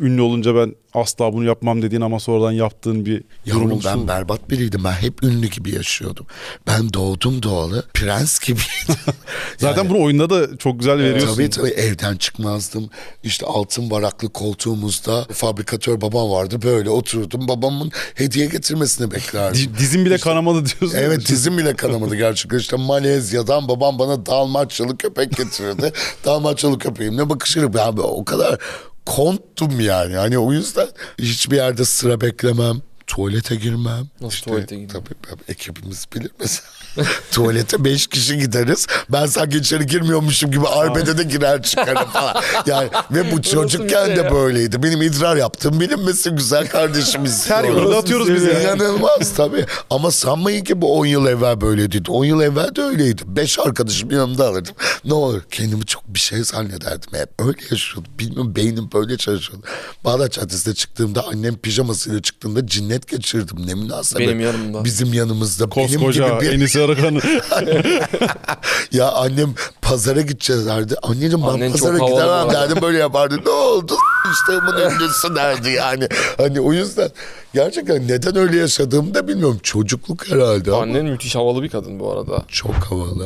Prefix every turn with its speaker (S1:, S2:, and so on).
S1: ünlü olunca ben asla bunu yapmam dediğin ama sonradan yaptığın bir durum
S2: Yavrum
S1: oluştu
S2: ben
S1: mu?
S2: berbat biriydim. Ben hep ünlü gibi yaşıyordum. Ben doğdum doğalı prens gibiydim.
S1: Zaten bunu oyunda da çok güzel veriyorsun.
S2: Tabii evden çıkmazdım. İşte altın varaklı koltuğumuzda fabrikatör babam vardı. Böyle otururdum. Babamın hediye getirmesini beklerdim.
S1: Dizim bile kanamadı diyorsun.
S2: Evet, dizim bile kanamadı gerçekten. İşte Malezya'dan babam bana Dalmaçyalı köpek getirirdi. Dalmaçyalı köpeğimle bakışırım. Ben o kadar konttum yani. Hani o yüzden hiçbir yerde sıra beklemem. Tuvalete girmem.
S3: Nasıl tuvalete girmem?
S2: Tabii ekibimiz bilir mesela. Tuvalete 5 kişi gideriz. Ben sanki içeri girmiyormuşum gibi arbede de girer çıkarım falan. Yani ve bu çocukken
S3: şey
S2: de
S3: ya?
S2: böyleydi. Benim idrar yaptığım bilinmesin güzel kardeşimiz.
S1: Her yolda atıyoruz biz ya.
S2: İnanılmaz tabii. Ama sanmayın ki bu 10 yıl evvel böyleydi. 10 yıl evvel de öyleydi. 5 arkadaşım yanımda alırdım. Ne olur kendimi çok bir şey zannederdim. Hep öyle yaşıyordum. Bilmiyorum, beynim böyle çalışıyordu. Bağdat Caddesi'ne çıktığımda annem pijamasıyla çıktığında cinnet geçirdim. Ne münasebet.
S3: Benim yanımda.
S2: Bizim yanımızda.
S1: Koskoca
S2: benim gibi bir...
S1: Enis Arıkan'ı.
S2: Ya annem pazara gideceğiz derdi. Anneciğim ben
S3: Annen
S2: pazara
S3: çok havalı bu
S2: gidemem
S3: arada.
S2: derdim. Böyle yapardı. Ne oldu? İşte bunun ünlüsü derdi yani. Hani o yüzden gerçekten neden öyle yaşadığımı da bilmiyorum. Çocukluk herhalde ama
S3: Annen müthiş havalı bir kadın bu arada.
S2: çok havalı.